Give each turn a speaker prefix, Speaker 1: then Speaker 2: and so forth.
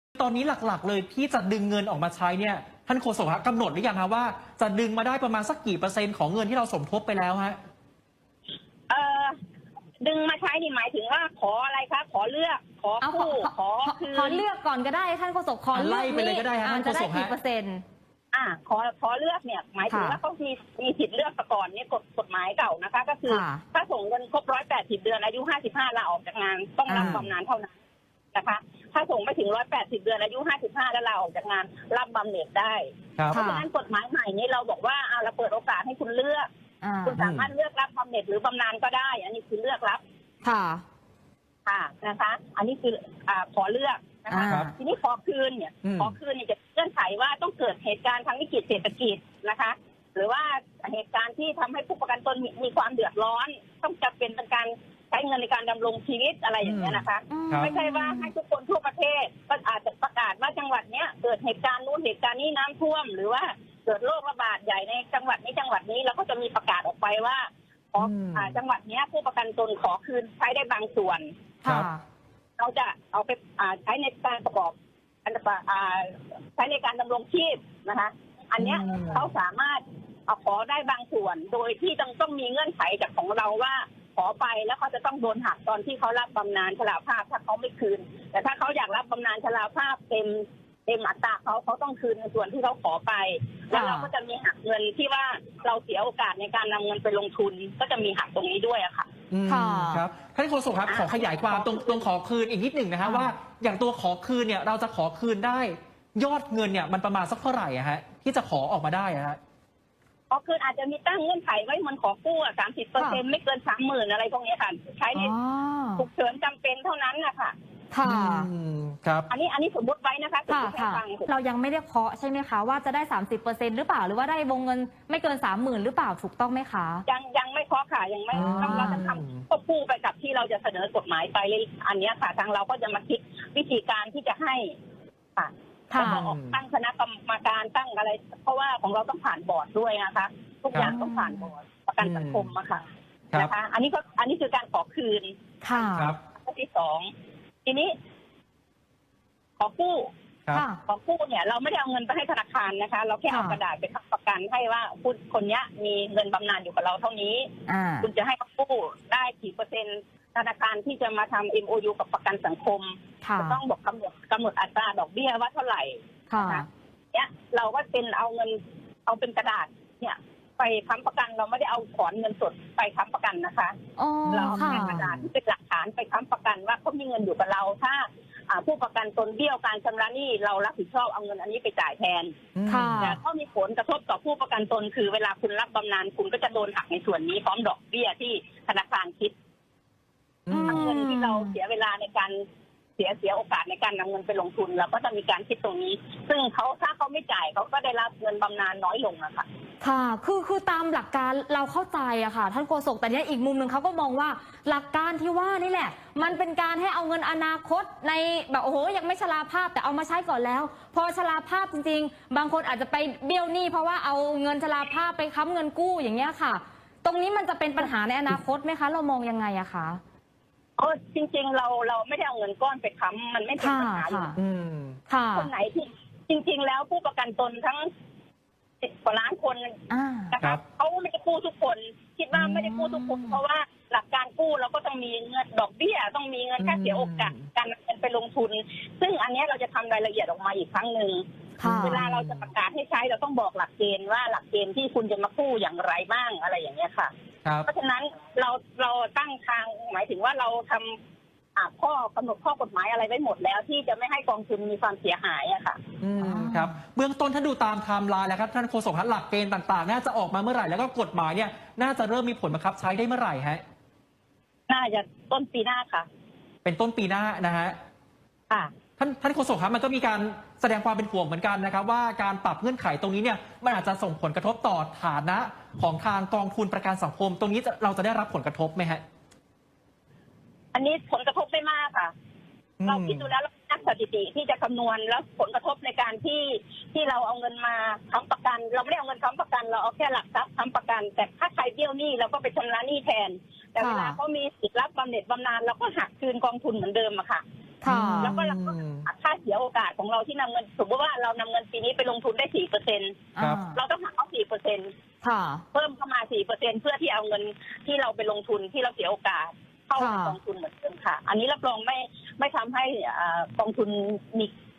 Speaker 1: ตอนนี้หลักๆเลยที่จะดึงเงินออกมาใช้เนี่ยท่านโฆษกกำหนดหรือยังครับว่าจะดึงมาได้ประมาณสักกี่เปอร์เซ็นต์ของเงินที่เราสมทบไปแล้วฮะ
Speaker 2: เอ่อดึงมาใช้นี่หมายถึงว่าขออะไรคะขอเลือกขอกู้ขอ
Speaker 3: เลือกก่อนก็ได้ท่านโฆษกขอเลือก
Speaker 1: ไปเลยก็ได้ฮะท่านโฆษก
Speaker 3: จะได้กี่เปอร์เซ็นต์
Speaker 2: ขอเลือกเนี่ยหมายถึงว่าเขามีสิทธิ์เลือกก่อนเนี่ยกฎหมายเก่านะคะก็คือถ้าส่งเงินครบ180 เดือนอายุ55ลาออกจากงานต้องรับบำนาญเท่านั้นนะคะถ้าส่งไม่ถึง180 เดือนอายุ55แล้วลาออกจากงานรับบำเหน็จได้เพราะฉะนั้นกฎหมายใหม่นี้เราบอกว่าเราเปิดโอกาสให้คุณเลือกคุณสามารถเลือกรับบำเหน็จหรือบำนาญก็ได้อันนี้คือเลือกรับค่ะนะคะอันนี้คือขอเลือกนะคะทีนี้ขอคืนเนี่ยจะเงื่อนไขว่าต้องเกิดเหตุการณ์ทางวิกฤตเศรษฐกิจนะคะหรือว่าเหตุการณ์ที่ทำให้ผู้ประกันตนมีความเดือดร้อนต้องจำเป็นเป็นการใช้เงินในการดำรงชีวิตอะไรอย่างเงี้ยนะคะไม่ใช่ว่าให้ทุกคนทั่วประเทศก็อาจจะประกาศว่าจังหวัดเนี้ยเกิดเหตุการณ์นู้นเหตุการณ์นี้น้ำท่วมหรือว่าเกิดโรคระบาดใหญ่ในจังหวัดนี้เราก็จะมีประกาศออกไปว่าจังหวัดนี้ผู้ประกันตนขอคืนใช้ได้บางส่วนเราจะเอาไปใช้ในการประกอบใช้ในการดำรงชีพนะคะอันเนี้ยเขาสามารถขอได้บางส่วนโดยที่ต้องมีเงื่อนไขจากของเราว่าขอไปแล้วเขาจะต้องโดนหักตอนที่เขารับบำนาญชราภาพถ้าเขาไม่คืนแต่ถ้าเขาอยากรับบำนาญชราภาพเต็มอัตราเขาต้องคืนในส่วนที่เขาขอไปแล้วเราก็จะมีหักเงินที่ว่าเราเสียโอกาสในการนำเงินไปลงทุนก็จะมีหักตรงนี้ด้วยอะค่ะ
Speaker 1: ครับท่านโฆษกครับขอขยายความตรงขอคืนอีกนิดหนึ่งนะฮะว่าอย่างตัวขอคืนเนี่ยเราจะขอคืนได้ยอดเงินเนี่ยมันประมาณสักเท่าไหร่อะฮะที่จะขอออกมาได้อะฮะ
Speaker 2: ขอคืนอาจจะมีตั้งเงื่อนไขไว้มันขอกู้30%ไม่เกิน30,000อะไรพวกนี้ค่ะใช้ในฉุกเฉินจำเป็นเท่านั้นนะคะ
Speaker 1: ครับ
Speaker 2: อันนี้สมมติไว้นะคะ
Speaker 3: เรายังไม่ได้เคาะใช่ไหมคะว่าจะได้ 30%หรือเปล่าหรือว่าได้วงเงินไม่เกิน 30,000หรือเปล่าถูกต้องไหมคะ
Speaker 2: ยังไม่เคาะค่ะยังไม่เราจะทำควบคู่ไปกับที่เราจะเสนอกฎหมายไปอันนี้ค่ะทางเราก็จะมาคิดวิธีการที่จะให้ค่ะตั้งคณะกรรมการตั้งอะไรเพราะว่าของเราต้องผ่านบอร์ดด้วยนะคะทุกอย่างต้องผ่านบอร์ดประกันสังคมอะค่ะนะคะอันนี้คือการขอคืน
Speaker 1: ครับ
Speaker 2: ข้อที่2ทีนี้ขอกู้เนี่ยเราไม่ได้เอาเงินไปให้ธนาคารนะคะเราแค่เอากระดาษไปค้ำประกันให้ว่าผู้คนนี้มีเงินบำนาญอยู่กับเราเท่านี้คุณจะให้เขากู้ได้กี่เปอร์เซ็นต์ธนาคารที่จะมาทำ MOU กับประกันสังคมจะต้องบอกกำหนดอัตราดอกเบี้ยว่าเท่าไหร่เนี่ยเราก็เป็นเอาเป็นกระดาษเนี่ยไปค้ำประกันเราไม่ได้เอาถอนเงินสดไปค้ำประกันนะคะเราเอากระดาษที่เป็นหลักฐานไปค้ำประกันว่าเขามีเงินอยู่กับเราถ้าผู้ประกันตนเบี้ยวการชำระหนี้เรารับผิดชอบเอาเงินอันนี้ไปจ่ายแทนแต่ก็มีผลกระทบต่อผู้ประกันตนคือเวลาคุณรับบำนาญคุณก็จะโดนหักในส่วนนี้พร้อมดอกเบี้ยที่ธนาคารคิดทั้งเงินที่เราเสียเวลาในการเสียโอกาสในการนำเงินไปลงทุนเราก็จะมีการคิดตรงนี้ซึ่งถ้าเขาไม่จ่ายเขาก็ได้รับเงินบำนาญน้อยลงอะค่ะ
Speaker 3: ค่ะคือตามหลักการเราเข้าใจอะค่ะท่านโฆษกแต่เนี้ยอีกมุมหนึ่งเขาก็มองว่าหลักการที่ว่านี่แหละมันเป็นการให้เอาเงินอนาคตในแบบโอ้โหยังไม่ชราภาพแต่เอามาใช้ก่อนแล้วพอชราภาพจริงๆบางคนอาจจะไปเบี้ยวหนี้เพราะว่าเอาเงินชราภาพไปค้ำเงินกู้อย่างเงี้ยค่ะตรงนี้มันจะเป็นปัญหาในอนาคตไหมคะเรามองยังไงอะคะ
Speaker 2: จริงๆเราไม่ได้เอาเงินก้อนไปค้ำมันไม่เป็นปัญหาอยู่คนไหนที่จริงๆแล้วผู้ประกันตนทั้ง10 กว่าล้านคนนะคะเขาไม่ได้กู้ทุกคนคิดว่าไม่ได้กู้ทุกคนเพราะว่าหลักการกู้เราก็ต้องมีเงินดอกเบี้ยต้องมีเงินค่าเสียโอกาสการนำเงินไปลงทุนซึ่งอันนี้เราจะทำรายละเอียดออกมาอีกครั้งหนึ่งเวลาเราจะประกาศให้ใช้เราต้องบอกหลักเกณฑ์ว่าหลักเกณฑ์ที่คุณจะมากู้อย่างไรบ้างอะไรอย่างเงี้ยค่ะเพราะฉะนั้นเราตั้งทางหมายถึงว่าเราทำข้อกำหนดข้อกฎหมายอะไรไว้หมดแล้วที่จะไม่ให้กองทุนมีความเสียหายอะค่ะ
Speaker 1: ครับเบื้องต้นถ้าดูตามไทม์ไลน์แล้วครับท่านโฆษกหลักเกณฑ์ต่างๆน่าจะออกมาเมื่อไหร่แล้วก็กฎหมายเนี่ยน่าจะเริ่มมีผลบังคับใช้ได้เมื่อไหร่ฮะ
Speaker 2: น่าจะต้นปีหน้าค่ะ
Speaker 1: เป็นต้นปีหน้านะฮะท่านโฆษกครับมันก็มีการแสดงความเป็นห่วงเหมือนกันนะครับว่าการปรับเงื่อนไขตรงนี้เนี่ยมันอาจจะส่งผลกระทบต่อฐานะของทางกองทุนประกันสังคมตรงนี้เราจะได้รับผลกระทบไหมฮะ
Speaker 2: อันนี้ผลกระทบไม่มากค่ะเราคิดดูแล้วนักสถิติที่จะคำนวณแล้วผลกระทบในการที่เราเอาเงินมาค้ำประกันเราไม่ได้เอาเงินค้ำประกันเราเอาแค่หลักทรัพย์ค้ำประกันแต่ถ้าใครเบี้ยวหนี้เราก็ไปชำระหนี้แทนแต่เวลาเขามีสิทธิ์รับบำเหน็จบำนาญเราก็หักคืนกองทุนเหมือนเดิมอะค่ะ
Speaker 3: ค่ะ
Speaker 2: แล้วก็เราก็หักค่าเสียโอกาสของเราที่นำเงินสมมติว่าเรานำเงินปีนี้ไปลงทุนได้ 4%
Speaker 1: ครับ
Speaker 2: เราต้องหักเขา 4%
Speaker 3: ค่ะ
Speaker 2: เพิ่มเข้ามา 4%เพื่อที่เอาเงินที่เราไปลงทุนที่เราเสียโอกาสเข้าในกองทุนเหมือนเดิมค่ะ อันนี้รับรองไม่ทำให้กองทุนมี